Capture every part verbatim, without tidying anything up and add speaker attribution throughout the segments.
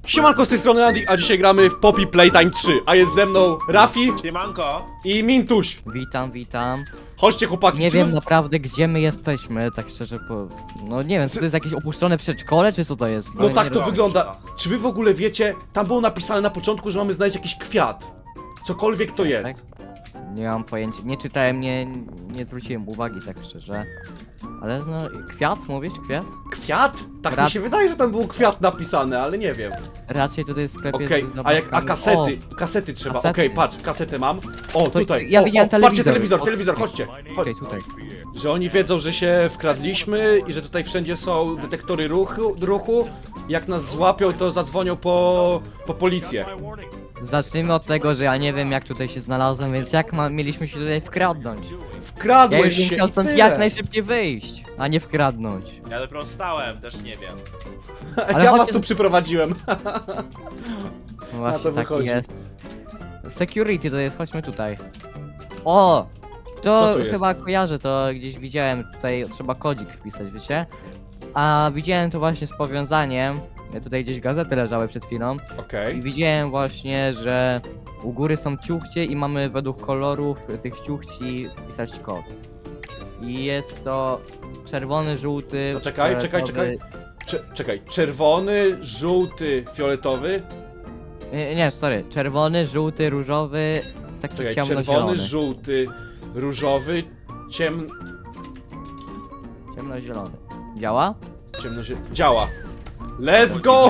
Speaker 1: Siemanko, z tej strony Andy, a dzisiaj gramy w Poppy Playtime trzy. A jest ze mną Rafi
Speaker 2: Siemanko.
Speaker 1: i Mintuś.
Speaker 3: Witam, witam.
Speaker 1: Chodźcie chłopaki.
Speaker 3: Nie
Speaker 1: czy
Speaker 3: wiem
Speaker 1: wy-
Speaker 3: naprawdę gdzie my jesteśmy, tak szczerze po... No nie wiem, czy to jest jakieś opuszczone przedszkole, czy co to jest? Bo
Speaker 1: No
Speaker 3: ja
Speaker 1: tak
Speaker 3: nie
Speaker 1: to
Speaker 3: rozumiem.
Speaker 1: wygląda. Czy wy w ogóle wiecie, tam było napisane na początku, że mamy znaleźć jakiś kwiat. Cokolwiek to jest.
Speaker 3: Tak? Nie mam pojęcia, nie czytałem, nie, nie zwróciłem uwagi tak szczerze. Ale no, kwiat mówisz, kwiat?
Speaker 1: Kwiat? Tak mi
Speaker 3: Krat-
Speaker 1: się wydaje, że tam był kwiat napisane, ale nie wiem.
Speaker 3: Raczej tutaj w sklepie
Speaker 1: Okej,
Speaker 3: z
Speaker 1: a jak a
Speaker 3: zabawkami.
Speaker 1: kasety? Kasety trzeba. Okej,
Speaker 3: kasety.
Speaker 1: patrz, kasetę mam. O,
Speaker 3: To
Speaker 1: tutaj.
Speaker 3: ja
Speaker 1: o,
Speaker 3: widziałem
Speaker 1: o, Patrzcie,
Speaker 3: telewizor.
Speaker 1: telewizor,
Speaker 3: O-
Speaker 1: telewizor, chodźcie.
Speaker 3: O,
Speaker 1: Chodź.
Speaker 3: tutaj, tutaj.
Speaker 1: Że oni wiedzą, że się wkradliśmy i że tutaj wszędzie są detektory ruchu, ruchu. Jak nas złapią, to zadzwonią po, po policję.
Speaker 3: Zacznijmy od tego, że ja nie wiem jak tutaj się znalazłem, więc jak ma, mieliśmy się tutaj wkradnąć? Ja
Speaker 1: Wkradłeś
Speaker 3: już bym
Speaker 1: się
Speaker 3: chciał
Speaker 1: i
Speaker 3: stąd
Speaker 1: tyle.
Speaker 3: jak najszybciej wyjść, a nie wkradnąć.
Speaker 2: Ja dopiero stałem, też nie wiem.
Speaker 3: Ale
Speaker 1: Ja was
Speaker 3: chodźcie-
Speaker 1: tu przyprowadziłem.
Speaker 3: No właśnie,
Speaker 1: to
Speaker 3: tak
Speaker 1: wychodzi.
Speaker 3: jest. Security to jest, chodźmy tutaj. O! To,
Speaker 1: Co tu jest?
Speaker 3: chyba kojarzę, to gdzieś widziałem, tutaj trzeba kodzik wpisać, wiecie? A widziałem to właśnie z powiązaniem, tutaj gdzieś gazety leżały przed chwilą i
Speaker 1: Okej.
Speaker 3: widziałem właśnie, że u góry są ciuchcie i mamy według kolorów tych ciuchci wpisać kod. I jest to czerwony, żółty,
Speaker 1: To czekaj, czekaj,
Speaker 3: fioletowy-
Speaker 1: Cze- Czekaj, czerwony, żółty, fioletowy.
Speaker 3: Nie, nie, sorry, czerwony, żółty, różowy, tak to
Speaker 1: Czekaj,
Speaker 3: ciemnozielony.
Speaker 1: czerwony, żółty, różowy, ciem...
Speaker 3: Ciemnozielony. Działa?
Speaker 1: ciemnozie... Działa. Let's go!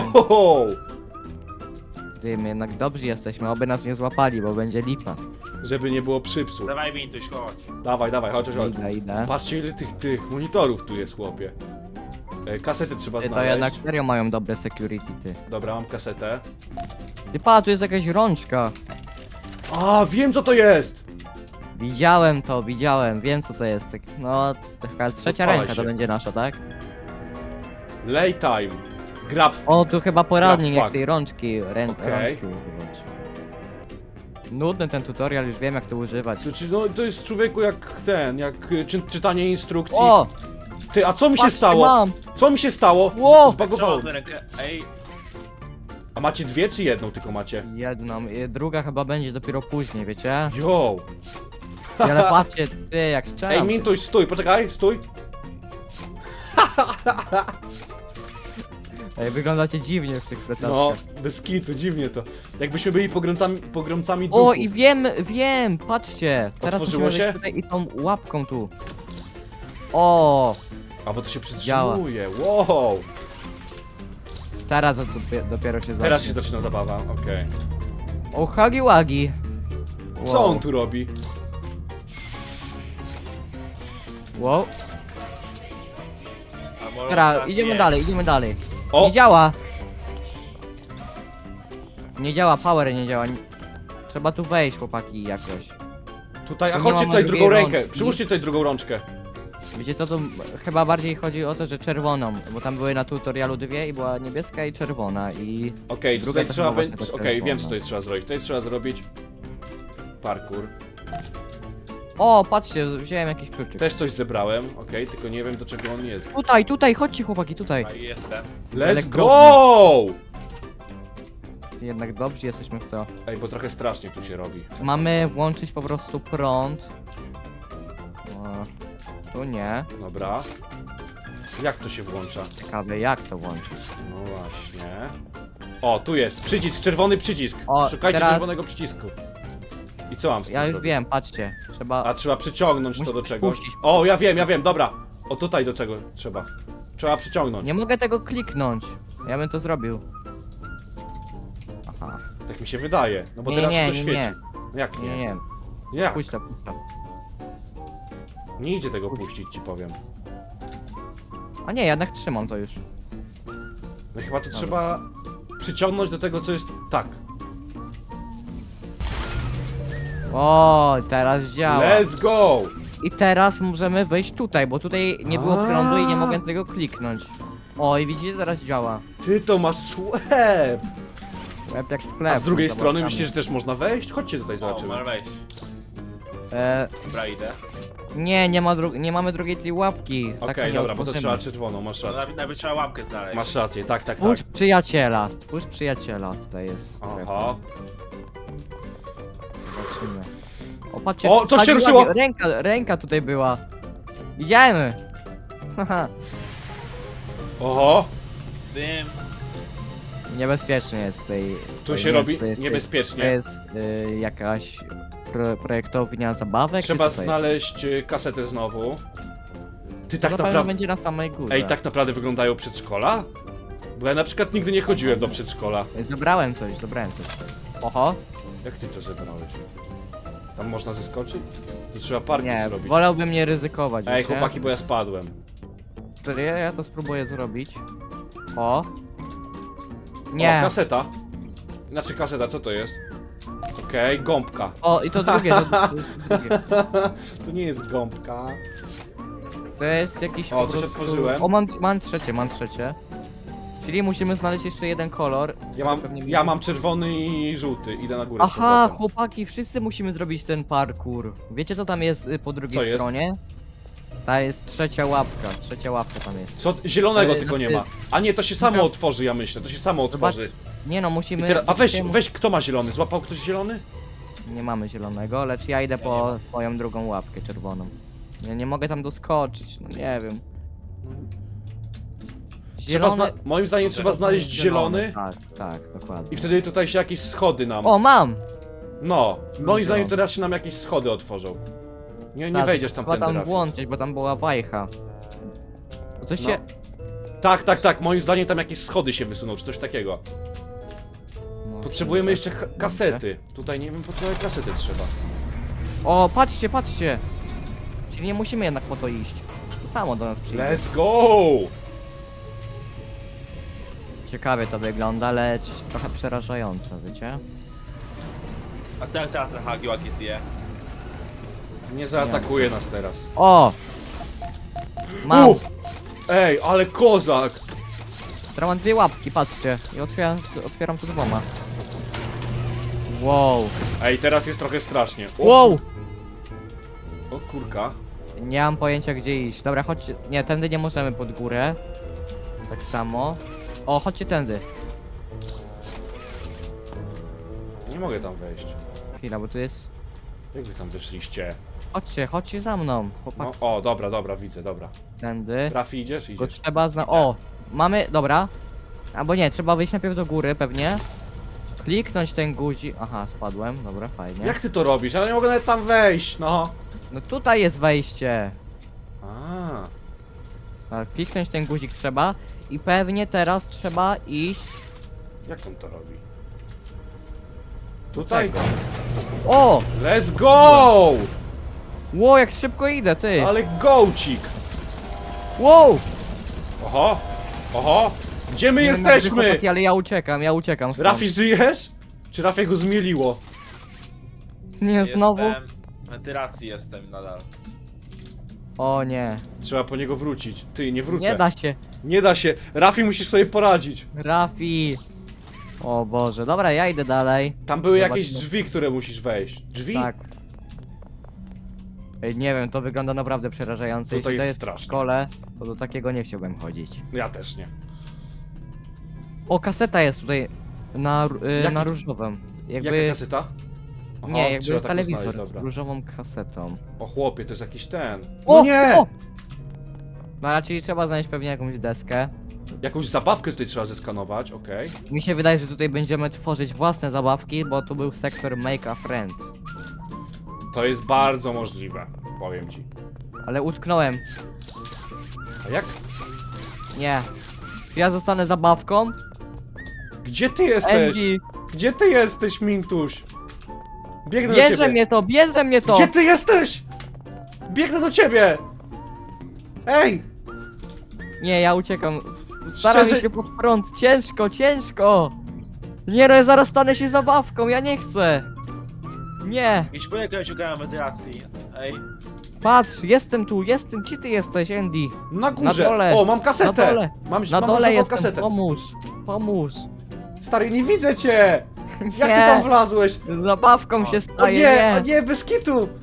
Speaker 3: Ty, my jednak dobrzy jesteśmy, oby nas nie złapali, bo będzie lipa.
Speaker 1: Żeby nie było przypsu.
Speaker 2: Dawaj Mintuś, chodź.
Speaker 1: Dawaj, dawaj, chodź, chodź, chodź.
Speaker 3: Idę, idę.
Speaker 1: Patrzcie ile tych, tych monitorów tu jest, chłopie. E, Kasety trzeba
Speaker 3: Ty, to jednak
Speaker 1: znaleźć.
Speaker 3: serio mają dobre security, ty.
Speaker 1: Dobra, mam kasetę.
Speaker 3: Ty, pa, tu jest jakaś rączka.
Speaker 1: A, wiem co to jest!
Speaker 3: Widziałem to, widziałem, wiem co to jest. Tak, no, taka trzecia
Speaker 1: Odpalaj
Speaker 3: ręka to
Speaker 1: się.
Speaker 3: będzie nasza, tak?
Speaker 1: Laytime. Grab.
Speaker 3: O, tu chyba poradnik
Speaker 1: Grab
Speaker 3: jak tej rączki, rę
Speaker 1: Okej.
Speaker 3: rączki używać. Nudny ten tutorial, już wiem jak to używać.
Speaker 1: To, czy- no, to jest człowieku jak ten, jak y, czy, czytanie instrukcji.
Speaker 3: O!
Speaker 1: Ty, a co mi się
Speaker 3: patrzcie,
Speaker 1: stało?
Speaker 3: mam!
Speaker 1: Co mi się stało?
Speaker 3: Ło!
Speaker 1: Zbagowało.
Speaker 2: Czemu tę rękę? Ej,
Speaker 1: A macie dwie czy jedną tylko macie?
Speaker 3: Jedną, i druga chyba będzie dopiero później, wiecie?
Speaker 1: Yo!
Speaker 3: Ale patrzcie, ty, jak strzelam.
Speaker 1: Ej, Mintuś, stój, poczekaj, stój.
Speaker 3: Ej, wyglądacie dziwnie w tych plecach.
Speaker 1: No, bez kitu, dziwnie to. Jakbyśmy byli pogromcami, pogromcami duchów.
Speaker 3: O, i wiem, wiem, patrzcie. Teraz
Speaker 1: Otworzyło
Speaker 3: musimy
Speaker 1: się?
Speaker 3: wejść tutaj i tą łapką tu. O,
Speaker 1: A bo to się przytrzymuje, wow!
Speaker 3: teraz dopiero, dopiero się zacznie.
Speaker 1: Teraz się zaczyna zabawa, okej.
Speaker 3: O, hagi wagi.
Speaker 1: Co on tu robi?
Speaker 3: Wow.
Speaker 2: a może
Speaker 3: Teraz,
Speaker 2: teraz
Speaker 3: idziemy
Speaker 2: nie.
Speaker 3: dalej, idziemy dalej.
Speaker 1: O!
Speaker 3: Nie działa. Nie działa, power nie działa. Nie- Trzeba tu wejść, chłopaki, jakoś.
Speaker 1: Tutaj, a
Speaker 3: Tu nie
Speaker 1: chodźcie
Speaker 3: mamy
Speaker 1: tutaj
Speaker 3: drugiej
Speaker 1: drugą rękę,
Speaker 3: rączki.
Speaker 1: przyłóżcie tutaj drugą rączkę.
Speaker 3: Wiecie co, to chyba bardziej chodzi o to, że czerwoną, bo tam były na tutorialu dwie i była niebieska i czerwona i...
Speaker 1: Okej,
Speaker 3: Druga
Speaker 1: tutaj
Speaker 3: też
Speaker 1: trzeba
Speaker 3: była
Speaker 1: będzie.
Speaker 3: taka
Speaker 1: Okej, wiem
Speaker 3: czerwona.
Speaker 1: co tutaj trzeba zrobić. Tutaj trzeba zrobić parkour.
Speaker 3: O, patrzcie, wziąłem jakiś kluczyk.
Speaker 1: Też coś zebrałem, okej, tylko nie wiem do czego on jest.
Speaker 3: Tutaj, tutaj, chodźcie chłopaki, tutaj.
Speaker 2: A jestem.
Speaker 1: Let's
Speaker 3: Elektrowni.
Speaker 1: go!
Speaker 3: Jednak dobrzy jesteśmy w to.
Speaker 1: Ej, bo trochę strasznie tu się robi.
Speaker 3: Mamy włączyć po prostu prąd. O, tu nie.
Speaker 1: Dobra. Jak to się włącza?
Speaker 3: Ciekawe jak to włączyć.
Speaker 1: No właśnie. O, tu jest przycisk, czerwony przycisk.
Speaker 3: O,
Speaker 1: Szukajcie
Speaker 3: teraz-
Speaker 1: czerwonego przycisku. I co mam z tym
Speaker 3: Ja już
Speaker 1: zrobić?
Speaker 3: wiem, patrzcie. Trzeba...
Speaker 1: A trzeba przyciągnąć to do
Speaker 3: Musisz
Speaker 1: czegoś.
Speaker 3: puścić.
Speaker 1: O, ja wiem, ja wiem, dobra. O, tutaj do czego trzeba. Trzeba przyciągnąć.
Speaker 3: Nie mogę tego kliknąć. Ja bym to zrobił. Aha.
Speaker 1: Tak mi się wydaje. No bo
Speaker 3: Nie,
Speaker 1: teraz
Speaker 3: nie,
Speaker 1: się to
Speaker 3: nie,
Speaker 1: świeci.
Speaker 3: nie.
Speaker 1: No jak
Speaker 3: Nie,
Speaker 1: nie?
Speaker 3: nie.
Speaker 1: Jak?
Speaker 3: Puść to, puść to.
Speaker 1: Nie idzie tego puścić, ci powiem.
Speaker 3: A nie, jednak trzymam to już.
Speaker 1: No chyba to trzeba przyciągnąć do tego, co jest tak.
Speaker 3: O, teraz działa.
Speaker 1: Let's go!
Speaker 3: I teraz możemy wejść tutaj, bo tutaj nie było
Speaker 1: A.
Speaker 3: prądu i nie mogę tego kliknąć. O, i widzicie, teraz działa.
Speaker 1: Ty to masz łeb!
Speaker 3: Łeb jak sklep.
Speaker 1: A z drugiej
Speaker 3: z
Speaker 1: strony
Speaker 3: zabawkami.
Speaker 1: myślisz, że też można wejść? Chodźcie tutaj,
Speaker 2: O,
Speaker 1: zobaczymy.
Speaker 2: możesz wejść.
Speaker 3: E,
Speaker 2: Dobra, idę.
Speaker 3: nie, nie, ma dru nie mamy drugiej tej łapki.
Speaker 1: Okej,
Speaker 3: tak
Speaker 1: dobra, bo to trzeba czerwoną, masz
Speaker 2: No,
Speaker 1: rację.
Speaker 2: nawet, nawet trzeba łapkę znaleźć.
Speaker 1: Masz rację, tak, tak, tak.
Speaker 3: Stwórz przyjaciela, stwórz przyjaciela, tutaj jest strefa.
Speaker 1: Aha.
Speaker 3: Zobaczymy. O, patrzcie,
Speaker 1: O, coś się
Speaker 3: chodziła-
Speaker 1: ruszyło!
Speaker 3: Ręka, ręka tutaj była. Idziemy! Haha,
Speaker 1: Oho,
Speaker 2: Dym.
Speaker 3: niebezpiecznie jest tutaj.
Speaker 1: tu
Speaker 3: tutaj
Speaker 1: się
Speaker 3: nie
Speaker 1: robi
Speaker 3: jest, to jest, To
Speaker 1: niebezpiecznie.
Speaker 3: jest y, jakaś pro, projektownia zabawek? czy
Speaker 1: Trzeba
Speaker 3: co to jest?
Speaker 1: znaleźć y, kasetę znowu. Ty
Speaker 3: To
Speaker 1: tak
Speaker 3: na pewno
Speaker 1: naprawdę...
Speaker 3: będzie na samej górze.
Speaker 1: Ej, tak naprawdę wyglądają przedszkola? Bo ja na przykład nigdy nie chodziłem do przedszkola.
Speaker 3: Zebrałem coś, zebrałem coś. Oho,
Speaker 1: Jak ty to zebrałeś? Tam można zeskoczyć? To trzeba parking
Speaker 3: nie,
Speaker 1: zrobić.
Speaker 3: wolałbym nie ryzykować.
Speaker 1: Ej,
Speaker 3: wiecie?
Speaker 1: chłopaki, bo ja spadłem.
Speaker 3: Serio? Ja to spróbuję zrobić. O.
Speaker 1: O,
Speaker 3: Nie.
Speaker 1: kaseta. Znaczy kaseta, co to jest? Okej, gąbka.
Speaker 3: O, i to drugie, to, to, jest drugie.
Speaker 1: To nie jest gąbka.
Speaker 3: To jest jakiś
Speaker 1: O,
Speaker 3: po
Speaker 1: coś
Speaker 3: prostu-
Speaker 1: otworzyłem.
Speaker 3: O, mam, mam trzecie, mam trzecie. Czyli musimy znaleźć jeszcze jeden kolor.
Speaker 1: Ja mam,
Speaker 3: Pewnie
Speaker 1: ja
Speaker 3: widzę.
Speaker 1: mam czerwony i żółty. Idę na górę. z
Speaker 3: Aha,
Speaker 1: powrotem.
Speaker 3: chłopaki, wszyscy musimy zrobić ten parkour. Wiecie co tam jest y, po drugiej
Speaker 1: Co jest?
Speaker 3: stronie? Ta jest trzecia łapka, trzecia łapka tam jest.
Speaker 1: Co? Zielonego
Speaker 3: To jest-
Speaker 1: tylko nie
Speaker 3: to
Speaker 1: ma. A nie, to się samo
Speaker 3: Dobra.
Speaker 1: otworzy, ja myślę. To się samo otworzy.
Speaker 3: Nie no,
Speaker 1: I
Speaker 3: musimy...
Speaker 1: teraz, a weź,
Speaker 3: musimy-
Speaker 1: weź, kto ma zielony? Złapał ktoś zielony?
Speaker 3: Nie mamy zielonego, lecz ja idę po swoją drugą łapkę czerwoną. Ja nie mogę tam doskoczyć, no nie wiem.
Speaker 1: Trzeba zna moim zdaniem trzeba znaleźć zielony
Speaker 3: Tak, tak, dokładnie.
Speaker 1: i wtedy tutaj się jakieś schody nam.
Speaker 3: O, mam!
Speaker 1: No, moim zdaniem
Speaker 3: zielony.
Speaker 1: teraz się nam jakieś schody otworzą. Nie, nie
Speaker 3: Tak,
Speaker 1: wejdziesz tam
Speaker 3: trzeba
Speaker 1: tędy,
Speaker 3: tam
Speaker 1: Rafi.
Speaker 3: włączyć, bo tam była wajcha. Bo coś
Speaker 1: No.
Speaker 3: się...
Speaker 1: Tak, tak, tak, moim zdaniem tam jakieś schody się wysuną, czy coś takiego.
Speaker 3: No,
Speaker 1: Potrzebujemy
Speaker 3: tak.
Speaker 1: jeszcze ka- kasety. Tutaj nie wiem po co kasety trzeba.
Speaker 3: O, patrzcie, patrzcie! Czyli nie musimy jednak po to iść. To samo do nas przyjdzie.
Speaker 1: Let's go!
Speaker 3: Ciekawie to wygląda, lecz trochę przerażająco, wiecie?
Speaker 2: A co jak teraz ten Hagiłaki zje?
Speaker 1: Nie zaatakuje nas teraz.
Speaker 3: O! Mam!
Speaker 1: Uf! Ej, ale kozak!
Speaker 3: Teraz mam dwie łapki, patrzcie. I otwieram, otwieram to dwoma. Wow!
Speaker 1: Ej, teraz jest trochę strasznie. O,
Speaker 3: Wow!
Speaker 1: o kurka.
Speaker 3: Nie mam pojęcia gdzie iść. Dobra, chodźcie. Nie, tędy nie możemy pod górę. Tak samo. O, chodźcie tędy.
Speaker 1: Nie mogę tam wejść.
Speaker 3: Chwila, bo tu jest...
Speaker 1: Jak wy tam wyszliście?
Speaker 3: Chodźcie, chodźcie za mną. Chłopak,
Speaker 1: No, o, dobra, dobra, widzę, dobra.
Speaker 3: tędy.
Speaker 1: Rafi, idziesz?
Speaker 3: Tylko
Speaker 1: Idziesz.
Speaker 3: trzeba zna... O! Mamy... Dobra. Albo nie, trzeba wyjść najpierw do góry, pewnie. Kliknąć ten guzik. Aha, spadłem. Dobra, fajnie.
Speaker 1: Jak ty to robisz? Ja nie mogę nawet tam wejść, no.
Speaker 3: No tutaj jest wejście.
Speaker 1: A,
Speaker 3: Tak, kliknąć ten guzik trzeba. I pewnie teraz trzeba iść...
Speaker 1: jak on to robi? Tutaj?
Speaker 3: Tego. O!
Speaker 1: Let's go!
Speaker 3: Ło, jak szybko idę, ty!
Speaker 1: Ale gołcik!
Speaker 3: Wow!
Speaker 1: Oho! Oho! Gdzie my
Speaker 3: Nie wiem, jak wy,
Speaker 1: jesteśmy?
Speaker 3: chłopaki, ale ja uciekam, ja uciekam stąd.
Speaker 1: Rafi, żyjesz? Czy Rafi go zmieliło?
Speaker 3: Nie, znowu?
Speaker 2: Jestem... W wentylacji jestem nadal.
Speaker 3: O nie.
Speaker 1: Trzeba po niego wrócić. Ty, nie wrócę.
Speaker 3: Nie da się.
Speaker 1: Nie da się. Rafi, musisz sobie poradzić.
Speaker 3: Rafi. O Boże, dobra, ja idę dalej.
Speaker 1: Tam były
Speaker 3: Zobaczmy.
Speaker 1: jakieś drzwi, które musisz wejść. Drzwi?
Speaker 3: Tak. Ej, nie wiem, to wygląda naprawdę przerażająco.
Speaker 1: To
Speaker 3: Jeśli
Speaker 1: jest
Speaker 3: to jest
Speaker 1: straszne.
Speaker 3: w szkole, to do takiego nie chciałbym chodzić.
Speaker 1: Ja też nie.
Speaker 3: O, kaseta jest tutaj na, r- y,
Speaker 1: Jaki-
Speaker 3: na różowym.
Speaker 1: Jaka
Speaker 3: Jakby...
Speaker 1: kaseta? Aha,
Speaker 3: Nie, jakby
Speaker 1: trzeba taką
Speaker 3: telewizor
Speaker 1: znaleźć,
Speaker 3: z
Speaker 1: dobra.
Speaker 3: różową kasetą.
Speaker 1: O chłopie, to jest jakiś ten.
Speaker 3: O!
Speaker 1: No nie!
Speaker 3: O! No raczej trzeba znaleźć pewnie jakąś deskę.
Speaker 1: Jakąś zabawkę tutaj trzeba zeskanować, okej.
Speaker 3: Mi się wydaje, że tutaj będziemy tworzyć własne zabawki, bo tu był sektor Make a Friend.
Speaker 1: To jest bardzo możliwe, powiem ci.
Speaker 3: Ale utknąłem.
Speaker 1: A jak?
Speaker 3: Nie. Czy ja zostanę zabawką?
Speaker 1: Gdzie ty jesteś?
Speaker 3: Andy,
Speaker 1: Gdzie ty jesteś, Mintuś? Biegnę do
Speaker 3: bierze
Speaker 1: ciebie.
Speaker 3: mnie to, bierze mnie to!
Speaker 1: Gdzie ty jesteś? Biegnę do ciebie! Ej!
Speaker 3: Nie, ja uciekam. Staram
Speaker 1: Szczerze-
Speaker 3: się pod prąd. Ciężko, ciężko! Nie no, ja zaraz stanę się zabawką, ja nie chcę! Nie!
Speaker 2: Jakiś projekt, który szukałem wentylacji. Ej,
Speaker 3: Patrz, jestem tu, jestem, gdzie ty jesteś, Andy?
Speaker 1: Na górze!
Speaker 3: Na dole.
Speaker 1: O, mam kasetę!
Speaker 3: Na dole.
Speaker 1: Mam,
Speaker 3: Na
Speaker 1: mam
Speaker 3: dole
Speaker 1: nową
Speaker 3: jestem,
Speaker 1: kasetę.
Speaker 3: pomóż! Pomóż!
Speaker 1: Stary, nie widzę cię! Jak ty
Speaker 3: Nie.
Speaker 1: tam wlazłeś?
Speaker 3: Zabawką
Speaker 2: O.
Speaker 3: się
Speaker 1: O
Speaker 3: staję,
Speaker 1: nie,
Speaker 3: nie!
Speaker 1: o nie, bez kitu!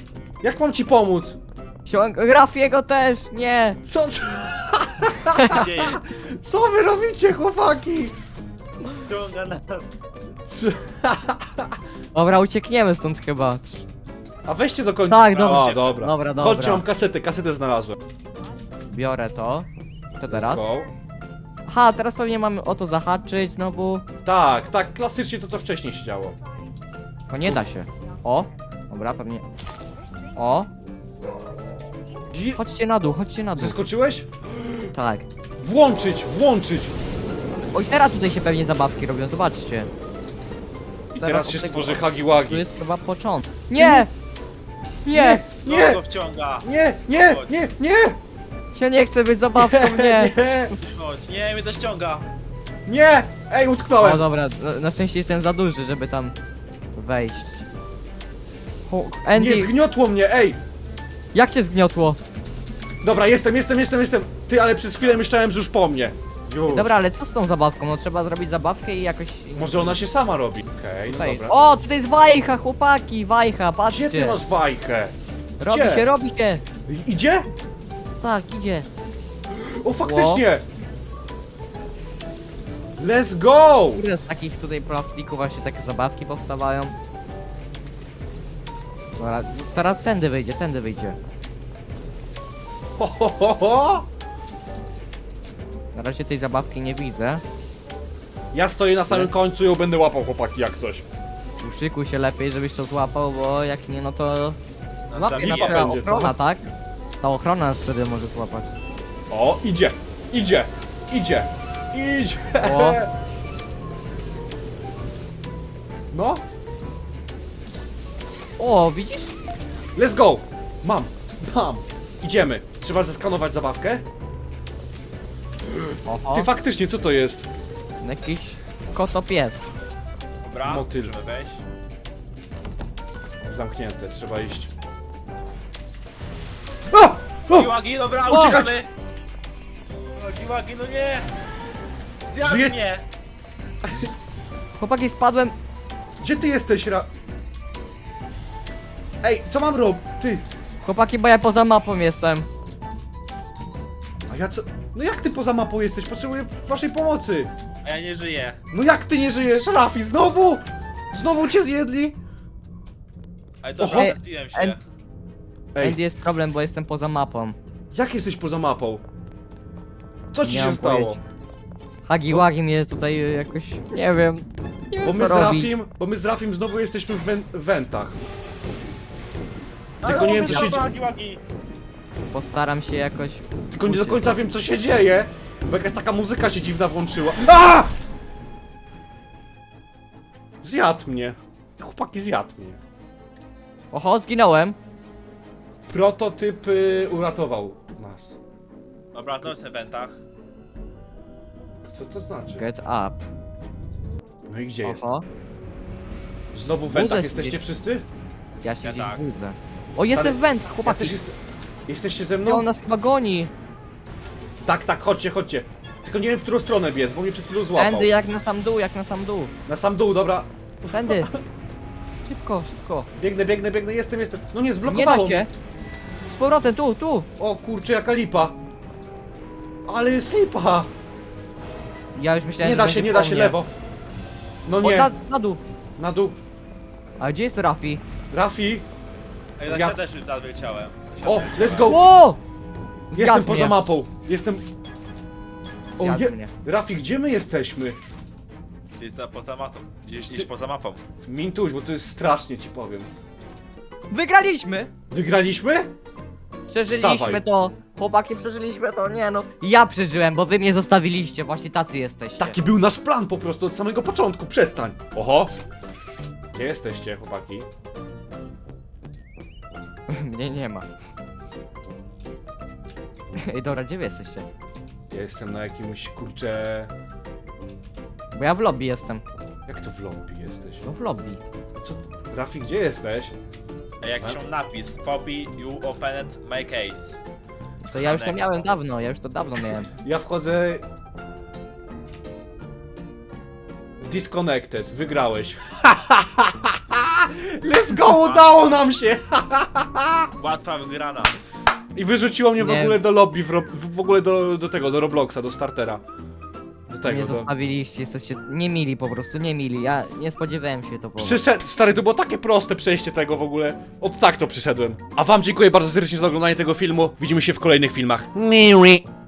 Speaker 1: Jak mam ci pomóc?
Speaker 3: Ciąg... Rafiego też, nie!
Speaker 1: Co, co,
Speaker 2: Gdzie jest?
Speaker 1: co wy robicie, chłopaki?
Speaker 2: Ciąga nas.
Speaker 1: Co?
Speaker 3: Dobra, uciekniemy stąd chyba.
Speaker 1: A weźcie do końca.
Speaker 3: Tak, dobra.
Speaker 1: O, dobra.
Speaker 3: Dobra, dobra.
Speaker 1: Chodźcie, mam kasetę, kasetę znalazłem.
Speaker 3: Biorę to. To teraz.
Speaker 1: Let's go.
Speaker 3: Aha, teraz pewnie mamy o to zahaczyć znowu.
Speaker 1: Tak, tak, klasycznie to co wcześniej się działo.
Speaker 3: To nie da się. O! Dobra, pewnie. O!
Speaker 1: I...
Speaker 3: Chodźcie na dół, chodźcie na dół.
Speaker 1: Zeskoczyłeś?
Speaker 3: Tak.
Speaker 1: Włączyć, włączyć!
Speaker 3: Oj, teraz tutaj się pewnie zabawki robią, zobaczcie.
Speaker 1: I
Speaker 3: Teraz
Speaker 1: teraz
Speaker 3: od
Speaker 1: się
Speaker 3: tego-
Speaker 1: stworzy
Speaker 3: Tu
Speaker 1: Hagiwagi.
Speaker 3: jest chyba początek. Nie! Nie!
Speaker 1: Nie,
Speaker 2: No go wciąga.
Speaker 1: nie, nie, nie, nie!
Speaker 3: Ja nie chcę być zabawką, nie!
Speaker 1: nie,
Speaker 2: Chodź, nie, mnie to ściąga.
Speaker 1: nie! Ej,
Speaker 3: O
Speaker 1: utknąłem!
Speaker 3: dobra, na, na szczęście jestem za duży, żeby tam wejść. Ho, Andy,
Speaker 1: Nie, zgniotło mnie, ej!
Speaker 3: jak cię zgniotło?
Speaker 1: Dobra, jestem, jestem, jestem, jestem! Ty, ale przez chwilę myślałem, że już po mnie. Już.
Speaker 3: Dobra, ale co z tą zabawką? No trzeba zrobić zabawkę i jakoś...
Speaker 1: Może ona się sama robi. Okej, no
Speaker 3: Tutaj.
Speaker 1: dobra.
Speaker 3: O, tutaj jest wajcha, chłopaki, wajcha, patrzcie.
Speaker 1: Gdzie ty masz wajchę?
Speaker 3: Robi
Speaker 1: Gdzie?
Speaker 3: się, robi się.
Speaker 1: I- Idzie?
Speaker 3: Tak, idzie.
Speaker 1: O, faktycznie! Let's go!
Speaker 3: Ile z takich tutaj plastików właśnie takie zabawki powstawają? Dobra, teraz tędy wyjdzie, tędy wyjdzie.
Speaker 1: Ho, ho, ho, ho.
Speaker 3: Na razie tej zabawki nie widzę.
Speaker 1: Ja stoję na samym końcu i ją będę łapał, chłopaki, jak coś.
Speaker 3: Uszykuj się lepiej, żebyś to złapał, bo jak nie, no to... Złapie na
Speaker 2: zabije
Speaker 3: pewno
Speaker 1: będzie, co?
Speaker 3: ochrona, tak? Ta ochrona nas wtedy może złapać.
Speaker 1: O, idzie, idzie, idzie, idzie.
Speaker 3: O.
Speaker 1: No,
Speaker 3: O, widzisz?
Speaker 1: let's go! Mam, mam. Idziemy. Trzeba zeskanować zabawkę.
Speaker 3: Oho,
Speaker 1: Ty, faktycznie, co to jest?
Speaker 3: jakiś kotopies.
Speaker 2: Dobra,
Speaker 1: Motyl.
Speaker 2: możemy wejść.
Speaker 1: Zamknięte, trzeba iść. A! O!
Speaker 2: Giłagi, dobra,
Speaker 3: O!
Speaker 2: uciekamy. O, Giłagi, no nie. Zjadł
Speaker 1: Żyje-
Speaker 2: mnie.
Speaker 3: Chłopaki, spadłem.
Speaker 1: Gdzie ty jesteś, Ra... Ej, co mam robić? Ty,
Speaker 3: Chłopaki, bo ja poza mapą jestem.
Speaker 1: a ja co... No jak ty poza mapą jesteś? Potrzebuję waszej pomocy.
Speaker 2: A ja nie żyję.
Speaker 1: No jak ty nie żyjesz, Rafi? Znowu? Znowu cię zjedli?
Speaker 2: Ale
Speaker 1: Oho.
Speaker 2: dobra, zbiłem się.
Speaker 3: Ej.
Speaker 1: Ej,
Speaker 3: Andy, jest problem, bo jestem poza mapą.
Speaker 1: jak jesteś poza mapą? Co ci
Speaker 3: Nie
Speaker 1: się
Speaker 3: mam
Speaker 1: stało?
Speaker 3: pojęcia. Hagi Wagi mnie tutaj y, jakoś, nie wiem, nie wiem
Speaker 1: Bo
Speaker 3: co
Speaker 1: my z
Speaker 3: robi.
Speaker 1: Rafim, bo my z Rafim znowu jesteśmy w wen- wentach.
Speaker 2: No,
Speaker 1: Tylko nie wiem, co się
Speaker 2: dobra,
Speaker 1: dzieje.
Speaker 2: Giłagi.
Speaker 3: Postaram się jakoś...
Speaker 1: Tylko nie do
Speaker 3: uciec.
Speaker 1: końca wiem, co się dzieje. Bo jakaś taka muzyka się dziwna włączyła. A! Zjadł mnie. Chłopaki, zjadł mnie.
Speaker 3: Oho, zginąłem.
Speaker 1: Prototyp y, uratował nas.
Speaker 2: Dobra, to jest w eventach.
Speaker 1: Co to znaczy?
Speaker 3: Get up.
Speaker 1: No i gdzie jest?
Speaker 3: Oho,
Speaker 1: Znowu w
Speaker 3: Budzę
Speaker 1: wentach
Speaker 3: się
Speaker 1: jesteście
Speaker 3: gdzieś.
Speaker 1: wszyscy?
Speaker 3: ja się
Speaker 2: Ja
Speaker 3: gdzieś
Speaker 2: tak.
Speaker 3: budzę. O, jestem w wędach,
Speaker 1: Ja
Speaker 3: chłopaki.
Speaker 1: też jest... Jesteście ze
Speaker 3: No,
Speaker 1: mną?
Speaker 3: on nas chyba goni.
Speaker 1: Tak, tak, chodźcie, chodźcie. Tylko nie wiem, w którą stronę biec, bo mnie przed chwilą złapał.
Speaker 3: Tędy jak na sam dół, jak na sam dół.
Speaker 1: Na sam dół, dobra.
Speaker 3: Tędy. Szybko, szybko.
Speaker 1: Biegnę, biegnę, biegnę, jestem, jestem. No nie,
Speaker 3: Nie da
Speaker 1: zblokowało.
Speaker 3: się. Z powrotem, tu, tu.
Speaker 1: O kurczę, jaka lipa. Ale jest lipa.
Speaker 3: Ja już myślałem,
Speaker 1: Nie
Speaker 3: że
Speaker 1: da
Speaker 3: będzie
Speaker 1: się, nie
Speaker 3: po
Speaker 1: da się,
Speaker 3: mnie.
Speaker 1: lewo. No
Speaker 3: O,
Speaker 1: nie,
Speaker 3: na, na dół.
Speaker 1: na dół.
Speaker 3: A gdzie jest Rafi?
Speaker 1: Rafi.
Speaker 2: Ej, ja
Speaker 1: Zjadł.
Speaker 2: też już teraz wyleciałem.
Speaker 1: O, let's go.
Speaker 3: O!
Speaker 1: Jestem
Speaker 3: Zjadł
Speaker 1: poza
Speaker 3: mnie.
Speaker 1: mapą. Jestem... O,
Speaker 3: Zjadł
Speaker 1: je...
Speaker 3: mnie.
Speaker 1: Rafi, gdzie my jesteśmy?
Speaker 2: Gdzieś za poza mapą. Gdzieś niż poza mapą.
Speaker 1: Mintuś, bo to jest strasznie, ci powiem.
Speaker 3: Wygraliśmy!
Speaker 1: Wygraliśmy?
Speaker 3: Przeżyliśmy
Speaker 1: Wstawaj.
Speaker 3: to! Chłopaki, przeżyliśmy to, nie no. Ja przeżyłem, bo wy mnie zostawiliście, właśnie tacy jesteście.
Speaker 1: Taki był nasz plan po prostu od samego początku, przestań. Oho. Gdzie jesteście, chłopaki?
Speaker 3: Mnie nie ma. Ej, dobra, gdzie wy jesteście?
Speaker 1: Ja jestem na jakimś, kurczę...
Speaker 3: Bo ja w lobby jestem.
Speaker 1: Jak to w lobby jesteś?
Speaker 3: No w lobby.
Speaker 1: Co? Rafi, gdzie jesteś?
Speaker 2: Ej, jakiś mam napis. Poppy, you opened my case.
Speaker 3: To ja już to
Speaker 2: Connect.
Speaker 3: miałem dawno, ja już to dawno miałem.
Speaker 1: Ja wchodzę... Disconnected, wygrałeś. Let's go, udało nam się!
Speaker 2: Łatwa wygrana.
Speaker 1: I wyrzuciło mnie w
Speaker 3: Nie.
Speaker 1: ogóle do lobby, w, ro... w ogóle do, do tego, do Robloxa, do startera. Do tego,
Speaker 3: Nie
Speaker 1: do...
Speaker 3: zostawiliście, jesteście niemili po prostu, niemili. Ja nie spodziewałem się to po was.
Speaker 1: Przyszedł, stary, to było takie proste przejście tego w ogóle. Od tak to przyszedłem. A wam dziękuję bardzo serdecznie za oglądanie tego filmu. Widzimy się w kolejnych filmach. Miui.